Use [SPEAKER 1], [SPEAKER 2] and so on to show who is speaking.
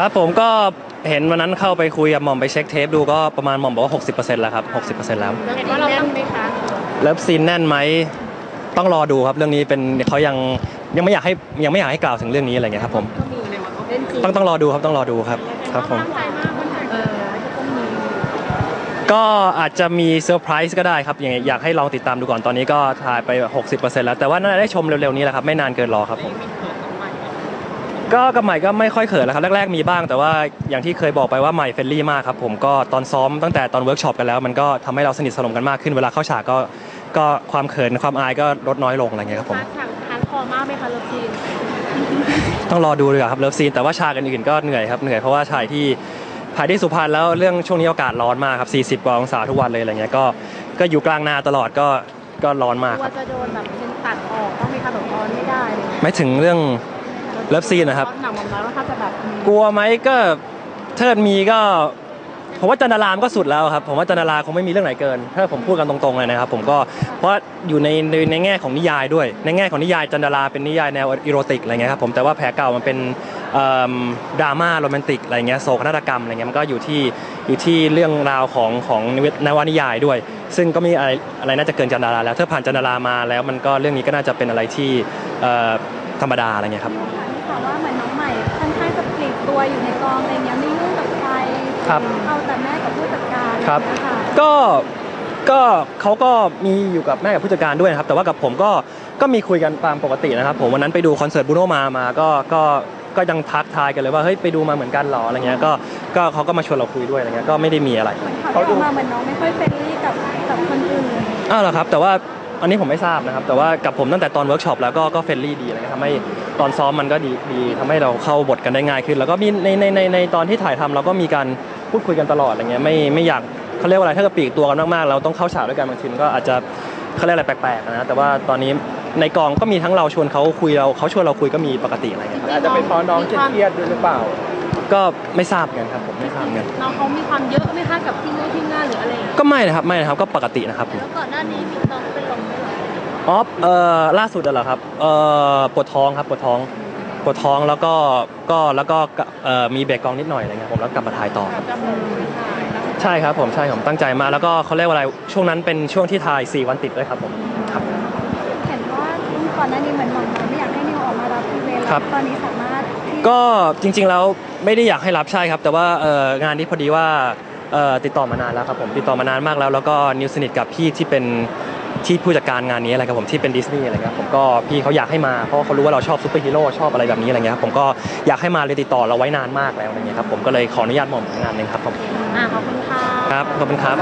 [SPEAKER 1] ครับผมก็เห็นวันนั้นเข้าไปคุยกับหม่อมไปเช็คเทปดูก็ประมาณหม่อมบอกว่า 60%แล้วครับ 60%แล้ว
[SPEAKER 2] เห็นว่าเราต้องไหมคะ
[SPEAKER 1] เลิฟซีนแน่นไหมต้องรอดูครับเรื่องนี้เป็นเขายังไม่อยากให้กล่าวถึงเรื่องนี้อะไรเงี้ยครับผมต้องรอดูครับต้องรอดูครับครับผมก็อาจจะมีเซอร์ไพรส์ก็ได้ครับอย่างอยากให้ลองติดตามดูก่อนตอนนี้ก็ถ่ายไป 60% แล้วแต่ว่าน่าจะได้ชมเร็วๆนี้แหละครับไม่นานเกินรอครับผมก็กับใหม่ก็ไม่ค่อยเขินแล้วครับแรกๆมีบ้างแต่ว่าอย่างที่เคยบอกไปว่าใหม่เฟรนลี่มากครับผมก็ตอนซ้อมตั้งแต่ตอนเวิร์กช็อปกันแล้วมันก็ทำให้เราสนิทสนมกันมากขึ้นเวลาเข้าฉากก็ความเขินความอายก็ลดน้อยลงอะไรเงี้ยครับผม
[SPEAKER 2] ฉากฮาร์ดคอร์มากไหมคะเลิฟซีน
[SPEAKER 1] ต้องรอดูเลยครับเลิฟซีนแต่ว่าฉากอื่นๆก็เหนื่อยครับเหนื่อยเพราะว่าถ่ายที่สุพรรณแล้วเรื่องช่วงนี้อากาศร้อนมากครับ40 กว่าองศาทุกวันเลยอะไรเงี้ยก็อยู่กลางนาตลอดก็ร้อนมาก
[SPEAKER 2] ว่าจะโดนแบบเป็นตัดออกต้องมีการแบบร้อนไม่ได้
[SPEAKER 1] ไม่ถึงเรื่องเลิฟซีนนะครับ
[SPEAKER 2] หนังมันน้อยว่าถ้าจะแบบ
[SPEAKER 1] กลัวไหมก็เทิดมีก็ผมว่าจันดารามก็สุดแล้วครับผมว่าจันดาราคงไม่มีเรื่องไหนเกินถ้าผมพูดกันตรงๆเลยนะครับผมก็เพราะอยู่ในแง่ของนิยายด้วยในแง่ของนิยายจันดาราเป็นนิยายแนวอีโรติกอะไรเงี้ยครับผมแต่ว่าแผลเก่ามันเป็นดราม่าโรแมนติกอะไรเงี้ยโศกนาฏกรรมอะไรเงี้ยมันก็อยู่ที่เรื่องราวของนวนิยายด้วยซึ่งก็มีอะไรน่าจะเกินจันดาราแล้วถ้าผ่านจันดารามาแล้วมันก็เรื่องนี้ก็น่าจะเป็นอะไรที่ธรรมดาอะไรเงี้ยครับ
[SPEAKER 2] ว่าเหมือนน้องใหม่ค่อนข้างจะปลีกตัวอยู่ในกองอะไรเงี้ยไม่ยุ่งกับใครเอาแต่แม่กับผู้จัดการ
[SPEAKER 1] ครับก็เขาก็มีอยู่กับแม่กับผู้จัดการด้วยนะครับแต่ว่ากับผมก็มีคุยกันตามปกตินะครับผมวันนั้นไปดูคอนเสิร์ตบูโนมาก็ยังทักทายกันเลยว่าเฮ้ยไปดูมาเหมือนกันหรออะไรเงี้ยก็เขาก็มาชวนเราคุยด้วยอะไรเงี้ยก็ไม่ได้มีอะไร
[SPEAKER 2] เขาดูมาเหมือนน้องไม่ค่อยเฟรนลี่กับคนอื่น
[SPEAKER 1] เหรอครับแต่ว่าอันนี้ผมไม่ทราบนะครับแต่ว่ากับผมตั้งแต่ตอนเวิร์กช็อปแล้วก็เฟรนลี่ดีอะไรเงี้ยทำให้ตอนซ้อมมันก็ดีทำให้เราเข้าบทกันได้ง่ายขึ้นแล้วก็มีในตอนที่ถ่ายทำเราก็มีการพูดคุยกันตลอดอะไรเงี้ยไม่อยากเขาเรียกว่าอะไรถ้าเกิดปลีกตัวกันมากๆเราต้องเข้าฉากด้วยกันบางทีก็อาจจะเขาเรียกอะไรแปลกๆนะแต่ว่าตอนนี้ในกองก็มีทั้งเราชวนเขาคุยเขาชวนเราคุยก็มีปกติอะไรเงี้ย
[SPEAKER 3] อาจจะเป็นเพราะน้องเครียดด้วยหรือเปล่า
[SPEAKER 1] ก็ไม่ทราบกันครับผมไม่ทราบกัน
[SPEAKER 2] น้องเขามีความเยอะไหมคะกับที่งานหรืออะไร
[SPEAKER 1] ก็ไม่นะครับก็ปกตินะครับ
[SPEAKER 2] แล้วก่อนหน้านี้มีน้องเป็นลมไหม
[SPEAKER 1] ล่าสุดเหรอครับปวดท้องครับปวดท้องแล้วก็มีเบรกกองนิดหน่อยอะไรเงี้ยผมแล้วกลับมาถ่ายต่อใช่ครับผมตั้งใจมาแล้วก็เขาเรียกว่าอะไรช่วงนั้นเป็นช่วงที่ถ่าย4 วันติดด้วยครับผมครับ
[SPEAKER 2] เห็นว่าก่อนหน้านี้เหมือนหม่อมไม่อยากให้นิวออกมารับอีเวนต์ตอนนี้สามารถ
[SPEAKER 1] ก็จริงๆแล้วไม่ได้อยากให้รับใช่ครับแต่ว่างานนี้พอดีว่าติดต่อมานานแล้วครับผมติดต่อมานานมากแล้วก็นิวสนิทกับพี่ที่เป็นที่ผู้จัดการงานนี้อะไรครับผมที่เป็นดิสนีย์อะไรเงี้ยผมก็พี่เขาอยากให้มาเพราะเขารู้ว่าเราชอบซูเปอร์ฮีโร่ชอบอะไรแบบนี้อะไรเงี้ยผมก็อยากให้มาเลยติดต่อเราไว้นานมากแล้วอะไรเงี้ยครับผมก็เลยขออนุญาตหม่อมงานนึงครับผม
[SPEAKER 2] ขอบคุณค่ะ
[SPEAKER 1] ครับขอบคุณครับ